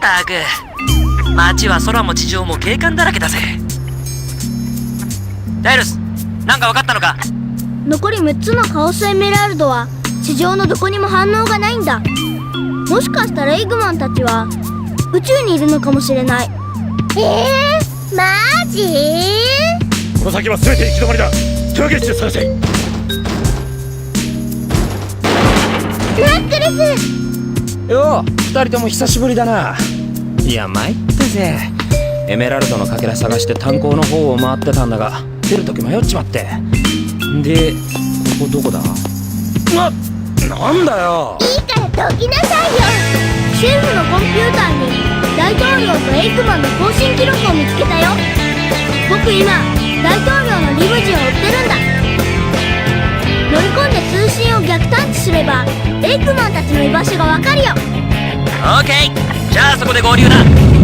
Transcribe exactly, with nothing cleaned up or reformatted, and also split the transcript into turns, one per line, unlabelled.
ったく、街は空も地上も警官だらけだぜ。ダイルス、なんか分かったのか？
残りむっつのカオスエメラルドは地上のどこにも反応がないんだ。もしかしたらエグマンたちは宇宙にいるのかもしれない。
えー、マジ？
この先は全て行き止まりだ。手分けして探せ。
ナックルズ。
よう、二人とも久しぶりだな。いや参ったぜ。エメラルドのかけら探して炭鉱の方を回ってたんだが、出るとき迷っちまって。で、ここどこだ？な、なんだよ。
いいからどきなさいよ。
シェフのコンピューターに大統領とエイクマンの更新記録を見つけたよ。僕今大統領のリムジンを追ってるんだ。乗り込んで通信を逆探知すればエイクマンたちの居場所がわかるよ。
オーケー、じゃあそこで合流だ。